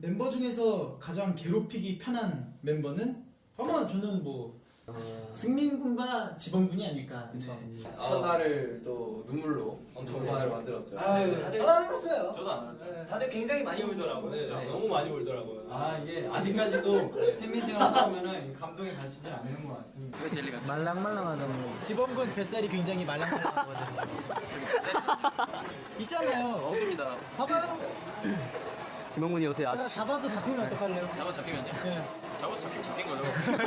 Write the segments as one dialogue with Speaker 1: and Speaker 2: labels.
Speaker 1: 멤버 중에서 가장 괴롭히기 편한 멤버는 아마 저는 뭐 승민 군과 지범 군이 아닐까.
Speaker 2: 그쵸.
Speaker 1: 네.
Speaker 2: 첫날을 또 눈물로 엄청 많이 만들었어요.
Speaker 1: 아유, 저도 안 울었어요.
Speaker 2: 저도 안 울었죠.
Speaker 3: 다들 굉장히 많이 울더라고요.
Speaker 2: 네,
Speaker 3: 너무 많이 울더라고요.
Speaker 4: 아 이게 아직까지도 팬미팅을 하다 보면은 감동이 가시질 않는 것 같습니다.
Speaker 2: 왜 젤리가
Speaker 1: 말랑말랑하다고. 지범 군 뱃살이 굉장히 말랑말랑하거든요. 있잖아요.
Speaker 2: 없습니다.
Speaker 1: 봐봐요.
Speaker 2: 지명군이 요새
Speaker 1: 제가 잡아서 잡히면 어떡할래요?
Speaker 2: 잡아 잡히면요?
Speaker 1: 네.
Speaker 2: 잡아 잡힌 거죠.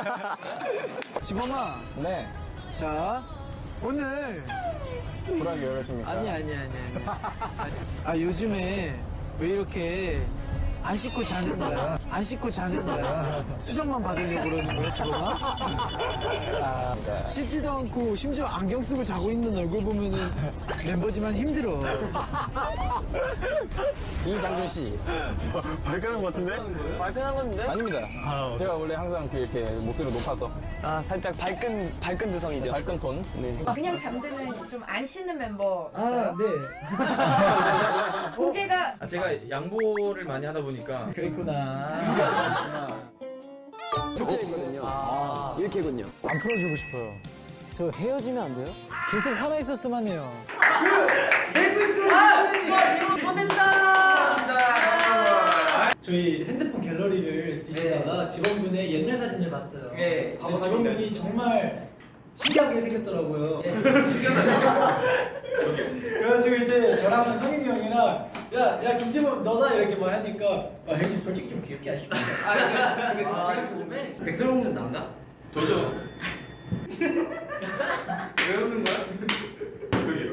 Speaker 1: 지범아.
Speaker 5: 네.
Speaker 1: 자, 오늘
Speaker 5: 불하게 열으십니까?
Speaker 1: 아니. 아 요즘에 왜 이렇게 안 씻고 자는 거야? 안 씻고 자는 거야? 수정만 받으려고 그러는 거야 지범아? 아, 씻지도 않고 심지어 안경 쓰고 자고 있는 얼굴 보면은 멤버지만 힘들어.
Speaker 5: 이장준 씨. 발끈한 것 같은데?
Speaker 2: 발끈한 건데?
Speaker 5: 아닙니다. 제가 원래 항상 이렇게 목소리 높아서.
Speaker 3: 아 살짝 발끈 두성이죠.
Speaker 5: 발끈 톤. 네.
Speaker 6: 그냥 잠드는 좀 안 씻는 멤버 있어요?
Speaker 1: 네.
Speaker 6: 고개가
Speaker 7: 제가 양보를 많이 하다 보니까
Speaker 1: 그랬구나.
Speaker 3: 진짜이거든요. 이렇게군요.
Speaker 1: 안 풀어주고 싶어요. 저 헤어지면 안 돼요? 계속 화나 있었으면 해요. 저희 핸드폰 갤러리를 뒤지다가 지범군의 옛날 사진을 봤어요.
Speaker 3: 네,
Speaker 1: 근데 지범군이 정말 신기하게 생겼더라고요. 그래가지고 이제 저랑 성인이 형이랑 야 김지범 너다 이렇게 말하니까 형님 솔직히 좀 귀엽게 하시고.
Speaker 2: 근데 저 생각해보면 백설공주 남나?
Speaker 7: 저죠.
Speaker 2: 왜 웃는 거야?
Speaker 7: 저기요.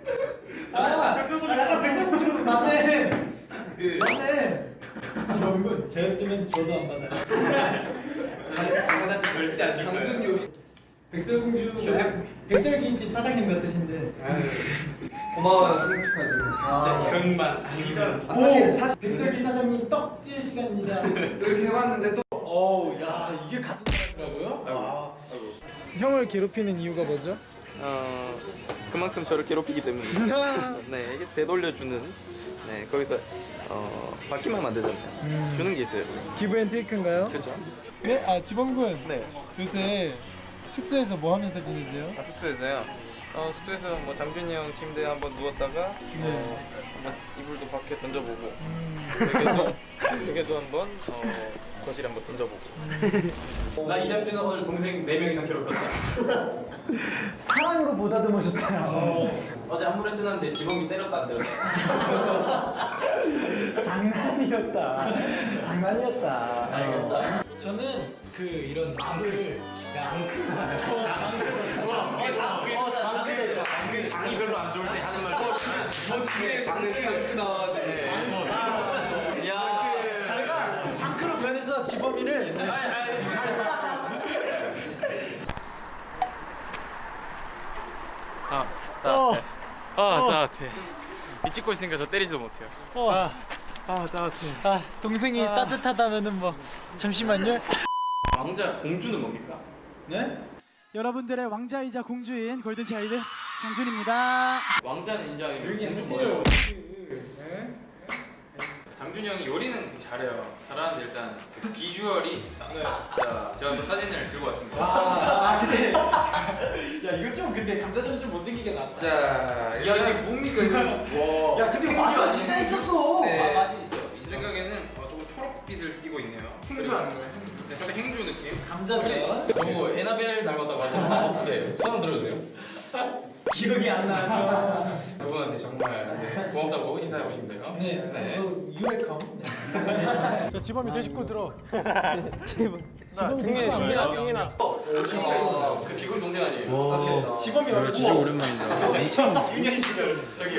Speaker 1: 약간 백설공주로 맞네.
Speaker 7: 그
Speaker 1: 맞네. 지범군 저였으면 저도 안 받아요.
Speaker 7: 저한테 절대 안 줄 거예요.
Speaker 2: 장준 요리
Speaker 1: 백설공주 백설기집 사장님 같으신데.
Speaker 2: 고마워요 생일 축하해주고.
Speaker 7: 진짜 이런 말 아니면
Speaker 1: 사실 백설기 사장님 떡질 시간입니다.
Speaker 2: 이렇게 해봤는데 또
Speaker 1: 어우 야 이게 같은 사람이라고요? 형을 괴롭히는 이유가 뭐죠?
Speaker 8: 그만큼 저를 괴롭히기 때문에 네 이게 되돌려주는 네 거기서 받기만 만들잖아요. 주는 게 있어요.
Speaker 1: 기브앤테이크인가요?
Speaker 8: 그렇죠.
Speaker 1: 네? 아 지범군
Speaker 8: 네.
Speaker 1: 요새 숙소에서 뭐 하면서 지내세요?
Speaker 8: 숙소에서요. 숙소에서 뭐 장준이 형 침대에 한번 누웠다가 한번 이불도 밖에 던져보고 베개도 한번 거실에 한번 던져보고.
Speaker 7: 나 이장준은 오늘 동생 4명 이상 괴롭혔다.
Speaker 1: 사랑으로 보다듬으셨대요.
Speaker 7: 어제 안무를 쓰는데 지범이 때렸다 안 때렸다.
Speaker 1: 장난이었다.
Speaker 7: 알겠다.
Speaker 1: 저는 그 이런 말을
Speaker 7: 장이 별로 안 좋을 때 하는 말.
Speaker 2: 장르 크다.
Speaker 1: 제가 장크로 변해서 지범이를
Speaker 8: 따뜻해. 이 찍고 있으니까 저 때리지도 못해요. 따뜻해.
Speaker 1: 동생이 따뜻하다면은 뭐 잠시만요.
Speaker 7: 왕자 공주는 뭡니까?
Speaker 1: 네? 여러분들의 왕자이자 공주인 골든차일드 장준입니다.
Speaker 7: 왕자는 인정하기 조용히
Speaker 1: 하세요.
Speaker 7: 장준이 형이 요리는 되게 잘해요. 잘하는데 일단 그 비주얼이 자, 제가 또 사진을 들고 왔습니다.
Speaker 1: 근데 야 이거 좀 근데 감자전은 좀 못생기게 나왔다.
Speaker 7: 자, 이게 뭡니까 이거? 와.
Speaker 1: 야 근데 맛은 진짜 있었어.
Speaker 7: 네. 맛이 있어요. 제 생각에는 조금 초록빛을 띠고 있네요.
Speaker 2: 행주 아닌 거예요?
Speaker 7: 네, 살짝 행주 느낌.
Speaker 1: 감자전.
Speaker 7: 저거 에나벨 닮았다고 하죠? 네, 손 들어주세요.
Speaker 1: 기억이 안 나요.
Speaker 7: 그분한테 정말 고맙다고 인사하고 싶네요.
Speaker 1: 네. 유웰컴. 자 지범이 내 식구 들어. 지범이
Speaker 7: 승민아. 그 개구리 동생 아니에요?
Speaker 1: 지범이 얼굴. 진짜 오랜만이다. 엄청.
Speaker 7: 저기요.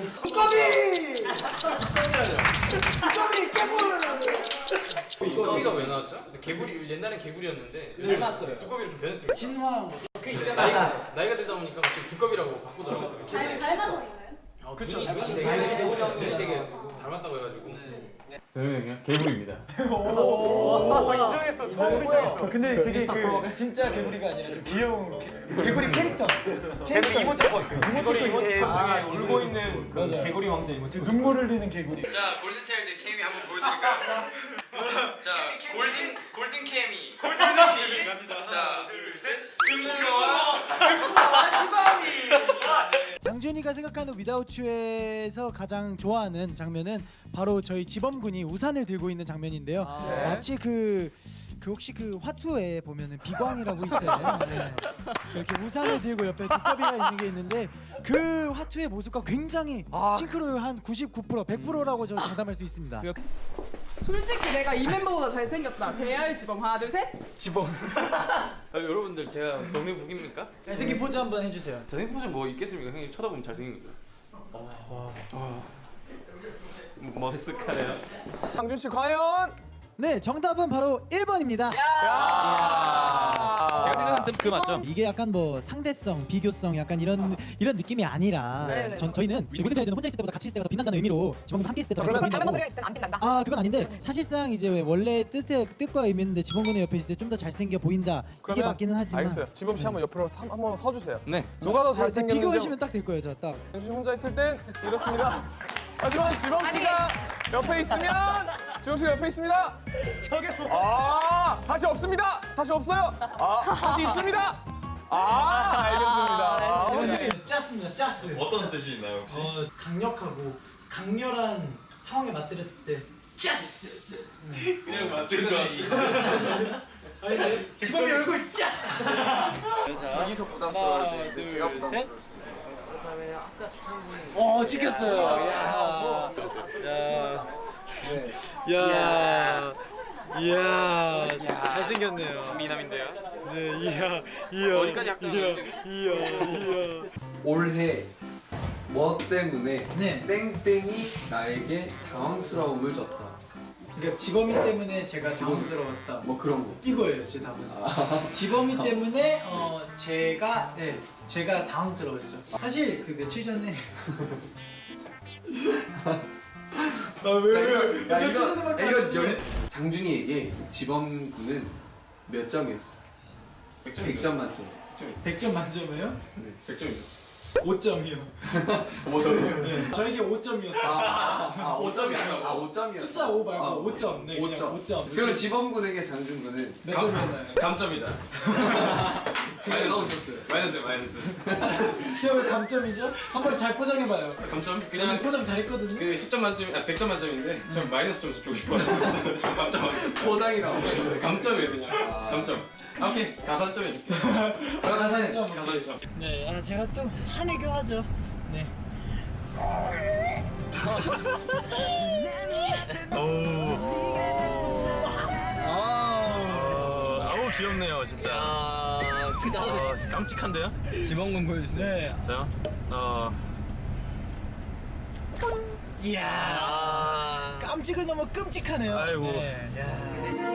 Speaker 7: 두꺼비가 왜 나왔죠? 개구리 옛날엔 개구리였는데
Speaker 1: 닮았어요.
Speaker 7: 두꺼비로 좀 변했습니다.
Speaker 1: 진화. 그
Speaker 7: 나이가 들다 보니까 갑자기 두꺼비라고 바꾸더라고요.
Speaker 6: 닮아서 있나요?
Speaker 1: 그쵸.
Speaker 7: 되게 닮았다고 해가지고.
Speaker 4: 저는 개구리입니다.
Speaker 3: 인정했어. 처음 인정했어.
Speaker 1: 근데 되게 그 진짜 개구리가 아니라 좀 귀여운 개구리 캐릭터.
Speaker 3: 개구리 이모티콘. 개구리 이모티콘 중에 울고 있는 그
Speaker 1: 맞아요.
Speaker 3: 개구리 왕자 이모티콘.
Speaker 1: 눈물 흘리는 개구리.
Speaker 7: 자, 골든차일드 케미 한번 보여드릴까요?
Speaker 1: 백한우 위다우츠에서 가장 좋아하는 장면은 바로 저희 지범군이 우산을 들고 있는 장면인데요. 마치 그 혹시 그 화투에 보면은 비광이라고 있어요. 네. 이렇게 우산을 들고 옆에 두꺼비가 있는 게 있는데 그 화투의 모습과 굉장히 싱크로 한 99%, 100%라고 저 장담할 수 있습니다.
Speaker 9: 솔직히 내가 이 멤버보다 잘생겼다. 대알 지범 하나 둘 셋.
Speaker 8: 지범. 여러분들 제가 동네 북입니까?
Speaker 1: 잘생긴 포즈 한번 해주세요.
Speaker 8: 잘생긴 포즈 뭐 있겠습니까? 형님 쳐다보면 잘생깁니다. 머쓱하네요.
Speaker 3: 상준 씨 과연?
Speaker 1: 네, 정답은 바로 1번입니다.
Speaker 8: 제가 생각한 그 맞죠?
Speaker 1: 이게 약간 뭐 상대성, 비교성 약간 이런 느낌이 아니라
Speaker 9: 네네.
Speaker 1: 저희는 골든차일드는 혼자 있을 때보다 같이 있을 때가 더 빛난다는 의미로 지범군 함께 있을 때더
Speaker 9: 다른
Speaker 1: 빛난다고.
Speaker 9: 멤버들이랑 있을 땐안 빛난다.
Speaker 1: 아 그건 아닌데 사실상 이제 원래 뜻과 의미인데 지범군의 옆에 있을 때 좀 더 잘생겨 보인다 이게 맞기는 하지만
Speaker 3: 알겠어요. 지범 씨 한번 옆으로 한번 서주세요.
Speaker 8: 네.
Speaker 3: 누가 더
Speaker 1: 네,
Speaker 3: 잘생겼는지
Speaker 1: 비교하시면 딱 될 거예요. 자 딱.
Speaker 3: 상준 씨 혼자 있을 땐 이렇습니다. 하지만 지범 씨가 옆에 있으면 지범 씨가 옆에 있습니다. 다시 없습니다. 다시 없어요. 다시 있습니다. 알겠습니다.
Speaker 1: 짰습니다. 짰어요.
Speaker 5: 어떤 뜻이 있나요 혹시?
Speaker 1: 강력하고 강렬한 상황에 맞들였을 때 짜스.
Speaker 8: 그냥 맞는 거
Speaker 1: 지범이 얼굴 짜스.
Speaker 3: 저기서 부담스러울 때 제가
Speaker 7: 셋.
Speaker 1: 찍혔어요. 이야, 잘생겼네요.
Speaker 7: 미남인데요.
Speaker 1: 네,
Speaker 7: 어디까지 약간
Speaker 2: 올해 뭐 때문에
Speaker 1: 네.
Speaker 2: 땡땡이 나에게 당황스러움을 줬다.
Speaker 1: 그러니까 지범이 때문에 제가 당황스러웠다.
Speaker 2: 뭐 그런 거.
Speaker 1: 이거예요, 제 답은. 지범이 때문에 제가 당황스러웠죠. 사실 그 며칠 전에 며칠 전에밖에 안 했어요.
Speaker 2: 장준이에게 지범군은 몇 점이었어? 100점 만점.
Speaker 1: 100점 만점이에요?
Speaker 2: 네.
Speaker 7: 100점이요.
Speaker 1: 5점이요.
Speaker 2: 5점이요?
Speaker 1: 네. 저에게 5점이었어요.
Speaker 2: 5점이었어. 5점이었어.
Speaker 1: 숫자 5 말고 5점. 네, 그냥 5점.
Speaker 2: 그럼 지범군에게 장준군은
Speaker 1: 몇 점이었나요?
Speaker 7: 감점이다.
Speaker 2: 생각이 너무 좋았어요.
Speaker 7: 마이너스.
Speaker 1: 제가 왜 감점이죠? 한번 잘 포장해봐요.
Speaker 7: 감점?
Speaker 1: 저는
Speaker 7: 그냥
Speaker 1: 포장 잘했거든요.
Speaker 7: 그 10점 만점, 100점 만점인데 전 마이너스 점수 주고 싶어요. 저 감점 하겠습니다.
Speaker 2: 포장이라고.
Speaker 7: 감점이에요 그냥. 감점. 오케이. 가산점이.
Speaker 2: 가산에
Speaker 7: 가산점.
Speaker 1: 네, 제가 또 한혜교 하죠. 네.
Speaker 8: 아우 귀엽네요 진짜. 깜찍한데요?
Speaker 1: 지범군 보여주세요. 네.
Speaker 8: 저요?
Speaker 1: 이야. 깜찍을 넘어 끔찍하네요.
Speaker 8: 아이고.
Speaker 1: 네. 야.